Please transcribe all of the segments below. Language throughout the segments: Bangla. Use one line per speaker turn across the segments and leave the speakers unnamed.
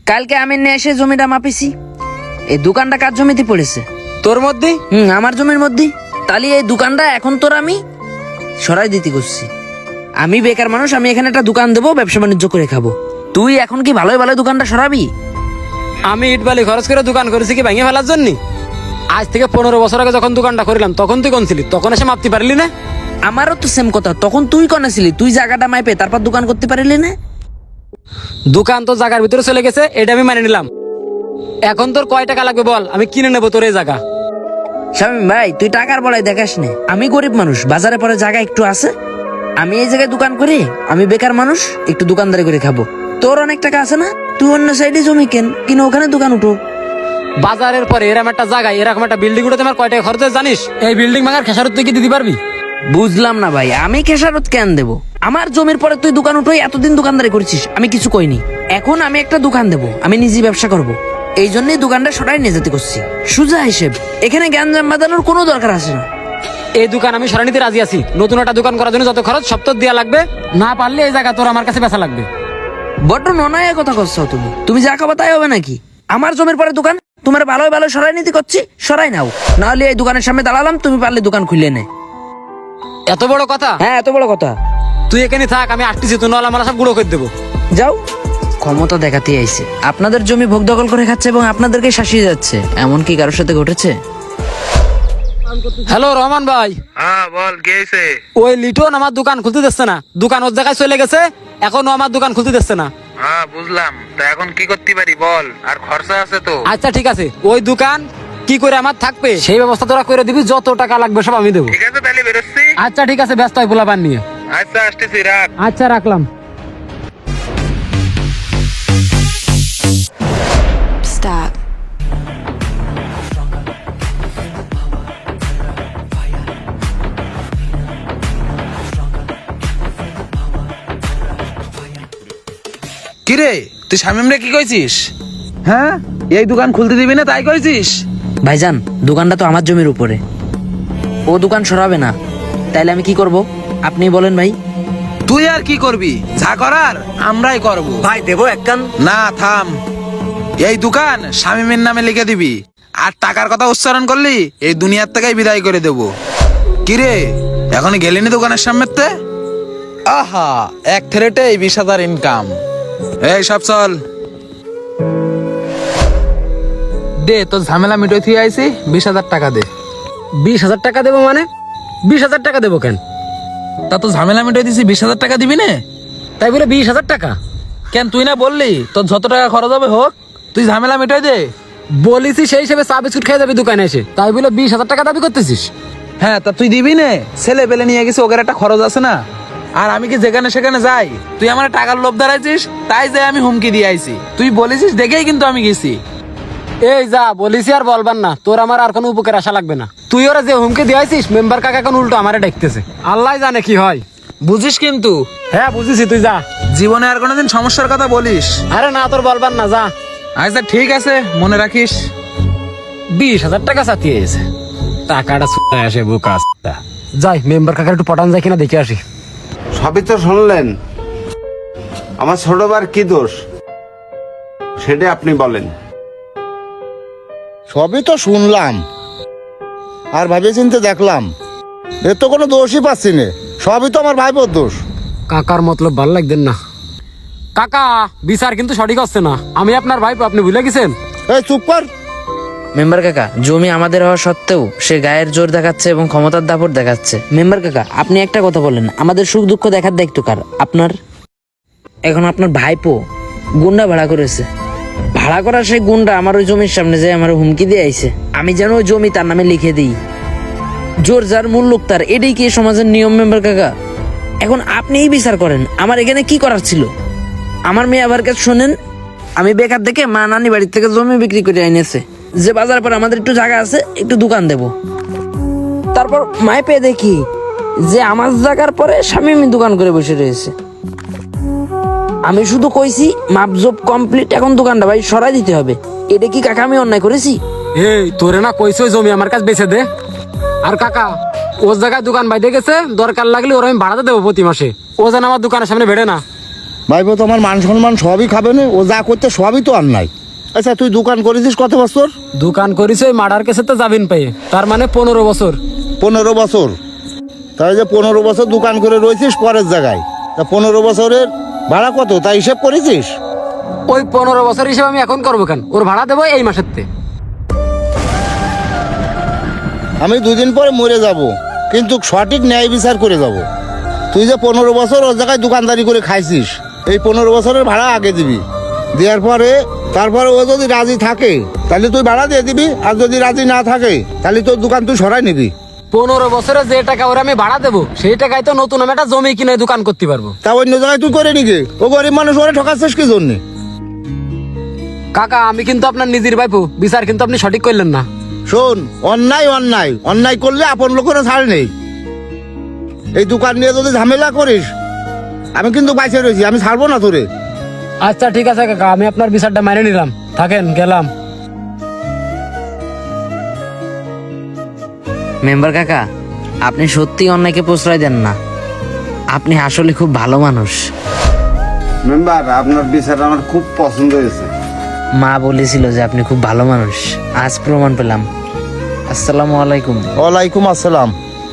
কালকে আমি নিয়ে এসে জমিটা মাপিছি। এই দোকানটা কার জমিতে পড়েছে?
তোর মধ্যে?
আমার জমির মধ্যে। তাহলে এই দোকানটা এখন তোর আমি সরাই দিতে করছি। আমি বেকার মানুষ, আমি এখানে একটা দোকান দেবো, ব্যবসা বাণিজ্য করে খাবো। তুই এখন কি ভালোই ভালো দোকানটা সরাবি?
আমি ইট বালি খরচ করে দোকান করেছি কি ভেঙে ফেলার জন্য? আজ থেকে 15 বছর আগে যখন দোকানটা করিলাম তখন তুই কোন ছিলি? তখন এসে মাপতে পারলি না?
আমারও তো সেম কথা, তখন তুই কনে ছিলি? তুই জায়গাটা মাইপে তারপর দোকান করতে পারলি না?
দোকান তো জায়গার ভিতরে চলে গেছে, এটা আমি মানে নিলাম। এখন তোর কয় টাকা লাগবে বল, আমি কিনে নেবো তোর এই জায়গা।
শামীম ভাই, তুই টাকার বলাই দেখাস নে। আমি গরিব মানুষ, বাজারে পরে জায়গা একটু আছে, আমি এই জায়গায় দোকান করি। আমি বেকার মানুষ, একটু দোকানদারি করে খাবো। তোর অনেক টাকা আছে না, তুই অন্য সাইডে জমি কিনে ওখানে দোকান উঠো।
বাজারের পরে এরকম একটা জায়গায় এরকম একটা বিল্ডিং উঠে তোমার কয় টাকা খরচ হয় জানিস? এই বিল্ডিং ভাঙার খেসারত তুই কি দিতে পারবি?
বুঝলাম না ভাই, আমি খেসারত কেন দেবো? আমার জমির পরে তুই দোকান উঠোই এতদিন দোকানদারি করছিস, আমি কিছু কইনি। এখন আমি একটা দোকান দেবো, আমি নিজে ব্যবসা করব। এই জন্যই দোকানটা সরাই নিয়ে যেতে করছি। সুজা হিসেব, এখানে গ্যাঞ্জাম বাঁধানোর কোনো দরকার আছে না।
এই দোকান আমি সরাই নিতে রাজি আছি। নতুন একটা দোকান করার জন্য যত খরচ সব তোর দেওয়া লাগবে, না পারলে এই জায়গা তোর আমার কাছে বেচা লাগবে।
বড্ড ননায় কথা করছো তুমি। তুমি যা খাবা তাই হবে নাকি? আমার জমির পরে দোকান, তোমার ভালোই ভালো সরাই নিতে করছি, সরাই নাও। নাহলে এই দোকানের সামনে দাঁড়ালাম, তুমি পারলে দোকান খুলে নে।
এত বড় কথা?
হ্যাঁ, এত বড় কথা।
তুই এখানে থাক, আমি আসতেছি। তুই নাহলে আমার সব গুঁড়ো করে দেবো।
যাও। ক্ষমতা দেখাতে আইছে, আপনাদের জমি ভোগ দখল করে খাচ্ছে এবং আপনাদেরকে শাসিয়ে যাচ্ছে। এমন কি কারোর সাথে ঘটেছে?
হ্যালো রহমান ভাই।
হ্যাঁ বল, কি হয়েছে?
ওই লিটন আমার দোকান খুলতে দিচ্ছে না। দোকান ওর জায়গায় চলে গেছে, এখনো আমার দোকান খুলতে দিচ্ছে না।
হ্যাঁ বুঝলাম, তা এখন কি করতে পারি বল? আর খরচা আছে তো।
আচ্ছা ঠিক আছে, ওই দোকান কি করে আমার থাকবে সেই ব্যবস্থা তোরা করে দিবি। যত টাকা লাগবে সব আমি দেবো।
ঠিক আছে, তাহলে বেরোচ্ছি।
আচ্ছা ঠিক আছে, ব্যস্ত হয় পোলাপান নিয়ে।
আচ্ছা, আসতেছি, রাখ।
আচ্ছা রাখলাম।
Stop.
কিরে, তুই শামিম রে কি কইছিস? হ্যাঁ, এই দোকান খুলতে দিবি না তাই কইছিস?
ভাইজান, দোকানটা তো আমার জমির উপরে, ও দোকান সরাবে না। তাইলে আমি কি করব আপনি বলেন ভাই।
তুই আর কি করবি? যা করার আমরাই করব।
ভাই দেবো এক কান।
না থাম, এই দোকান শামিমের নামে লিখে দিবি। আর টাকার কথা উচ্চারণ করলি এই দুনিয়ার থেকেই বিদায় করে দেব। কিরে, এখনই গেলিনি দোকানের সামনেতে? আহা, এক থ্রেটে 20,000 ইনকাম। এই সব চল দে, তোর ঝামেলা মিটোই থুই আইছি। 20,000 টাকা দে।
20,000 টাকা দেবো মানে? 20,000 টাকা দেবো কেন?
তা তো ঝামেলা মিটোই দিছি, 20,000 টাকা দিবি না?
তাই বলে 20,000 টাকা?
কেন, তুই না বললি তোর যত টাকা খরচ হবে হোক, তুই ঝামেলা মিটাই দে।
বলিছি সেই হিসেবে চা বিস্কুট খেয়ে যাবি দোকানে এসে, তাই বলে 20,000 টাকা দাবি করতেছিস?
হ্যাঁ, তা তুই দিবি না? ছেলে পেলে নিয়ে গেছি, ওদের একটা খরচ আছে না? আর আমি কি যেখানে সেখানে যাই? তুই আমার টাকার লোভ দাঁড়াইছিস, তাই যে আমি হুমকি দিয়ে আইছি। তুই বলেছিস দেখেই কিন্তু আমি গেছি।
এই যা বলিছি আর বলবার না, তোর আমার আর কোনো উপকার আশা লাগবে না। তুই ওরা যে হুমকি দিয়েছিস, মেম্বার কাকা এখন উল্টো আমারে ডাকতেছে। আল্লাহ জানে কি হয়।
বুঝিস কিন্তু?
হ্যাঁ বুঝেছি, তুই যা।
জীবনে আর কোনোদিন সমস্যার কথা বলিস?
আরে না, তোর বলবার না, যা।
আচ্ছা ঠিক আছে, মনে রাখিস।
20,000 টাকা চাতিয়ে এসে টাকাটা ছুটে আসে বুক আসতা। যাই, মেম্বার কাকার একটু পটান যায় কিনা দেখে আসি।
সবই তো শুনলেন, আমার ছোট বার কি দোষ সেটা আপনি বলেন।
সবই তো শুনলাম আর ভাবে চিন্তে দেখলাম, এর তো কোনো দোষই পাচ্ছি না। সবই তো আমার ভাইপোর দোষ।
কাকার মতলব ভাল লাগতেন না। কাকা, বিচার কিন্তু সঠিক হচ্ছে না। আমি আপনার ভাইপো, আপনি ভুলে গেছেন।
এই চুপ কর।
মেম্বার কাকা, জমি আমাদের হওয়া সত্ত্বেও সে গায়ের জোর দেখাচ্ছে এবং ক্ষমতার দাপট দেখাচ্ছে। মেম্বার কাকা, আপনি একটা কথা বলেন, আমাদের সুখ দুঃখ দেখার দায়িত্ব কার? আপনার। এখন আপনার ভাইপো গুন্ডা ভাড়া করেছে, ভাড়া করা সেই গুন্ডা আমার ওই জমির সামনে যে আমার হুমকি দিয়ে আইছে আমি যেন ওই জমি তার নামে লিখে দিই। জোর যার মূল লোক তার, এটাই কি সমাজের নিয়ম মেম্বার কাকা? এখন আপনিই বিচার করেন, আমার এখানে কি করার ছিল? আমার মেয়ে আবার কাছে শোনেন, আমি বেকার দেখে মা নানি বাড়ির থেকে জমি বিক্রি করে এনেছে, যে বাজার পর আমাদের একটু জায়গা আছে, একটু দোকান দেব। তারপর মাই পেয়ে দেখি যে আমার জায়গার পরে স্বামী দোকান করে বসে রয়েছে। আমি শুধু কইছি মাপজোপ কমপ্লিট, এখন দোকানটা ভাই সরাই দিতে হবে। এটা কি কাকা আমি অন্যায় করেছি?
এই তোরে না কইছো জমি আমার কাছে বেচে দে। আর কাকা, ওর জায়গায় দোকান বাইতে গেছে, দরকার লাগলে ওর আমি ভাড়াতে দেবো প্রতি মাসে। ও যেন আমার দোকানের সামনে বেড়ে না।
ভাইপো তো আমার মান সম্মান সবই খাবে না, ও যা করতে সবই তো আর নাই। আচ্ছা তুই দোকান করেছিস কত বছর?
দোকান করিস ওই মার্ডার কেসে তো যাবেন পেয়ে, তার মানে 15 বছর।
15 বছর? তাই যে 15 বছর দোকান করে রয়েছিস পরের জায়গায়, তা 15 বছরের ভাড়া কত তাই হিসেব করেছিস?
ওই 15 বছর হিসেবে আমি এখন করবো কেন? ওর ভাড়া দেবো এই মাসের তে।
আমি 2 দিন পরে মরে যাব, কিন্তু সঠিক ন্যায় বিচার করে যাব। তুই যে 15 বছর ওর জায়গায় দোকানদারি করে খাইছিস, এই 15 বছরের ভাড়া আগে দিবি। দেওয়ার পরে তারপরে ও যদি রাজি থাকে তাহলে তুই ভাড়া দিয়ে দিবি, আর যদি রাজি না থাকে তাহলে তোর দোকান তুই সরাই নিবি।
15 বছরে যে টাকা ওরা আমি ভাড়া দেবো সেই টাকায় তো নতুন আমি একটা জমি কিনে দোকান করতে পারবো।
তা অন্য জায়গায় তুই করে নিগে, ও গরিব মানুষ, ওরে ঠকাচ্ছিস কি জন্যে?
কাকা আমি কিন্তু আপনার নিজের ভাইপো, বিচার কিন্তু আপনি সঠিক করলেন না।
শোন, অন্যায় অন্যায় অন্যায় করলে আপন লোকেরও ছাড় নেই। এই দোকান নিয়ে যদি ঝামেলা করিস, আমি কিন্তু বাইসে রয়েছি, আমি ছাড়বো না তোরে।
আচ্ছা ঠিক আছে কাকা, আমি আপনার বিচারটা মেনে নিলাম, থাকেন গেলাম।
মেম্বার কাকা, আপনি সত্যি অন্যায়কে প্রশ্রয় দেন না, আপনি আসলে খুব ভালো মানুষ।
মেম্বার, আপনার বিচার আমার খুব পছন্দ হয়েছে।
মা বলেছিল যে আপনি খুব ভালো মানুষ, আজ প্রমাণ পেলাম। আসসালামু আলাইকুম।
ওয়ালাইকুম আসসালাম।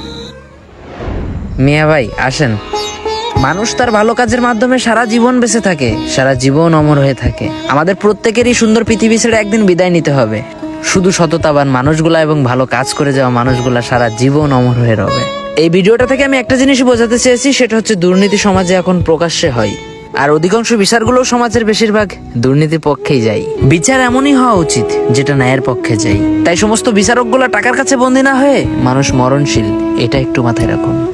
মিয়া ভাই আসেন। মানুষ তার ভালো কাজের মাধ্যমে সারা জীবন বেঁচে থাকে, সারা জীবন অমর হয়ে থাকে। আমাদের প্রত্যেকেরই সুন্দর পৃথিবী ছেড়ে একদিন বিদায় নিতে হবে। শুধু সততাবান মানুষগুলা এবং ভালো কাজ করে যাওয়া মানুষগুলা সারা জীবন অমর হয়ে রবে। এই ভিডিওটা থেকে আমি একটা জিনিস বোঝাতে চেয়েছি, সেটা হচ্ছে দুর্নীতি সমাজে এখন প্রকাশ্যে হয়, আর অধিকাংশ বিচারগুলো সমাজের বেশিরভাগ দুর্নীতির পক্ষেই যায়। বিচার এমনই হওয়া উচিত যেটা ন্যায়ের পক্ষে যায়। তাই সমস্ত বিচারকগুলা টাকার কাছে বন্দী না হয়ে মানুষ মরণশীল, এটা একটু মাথায় রাখুন।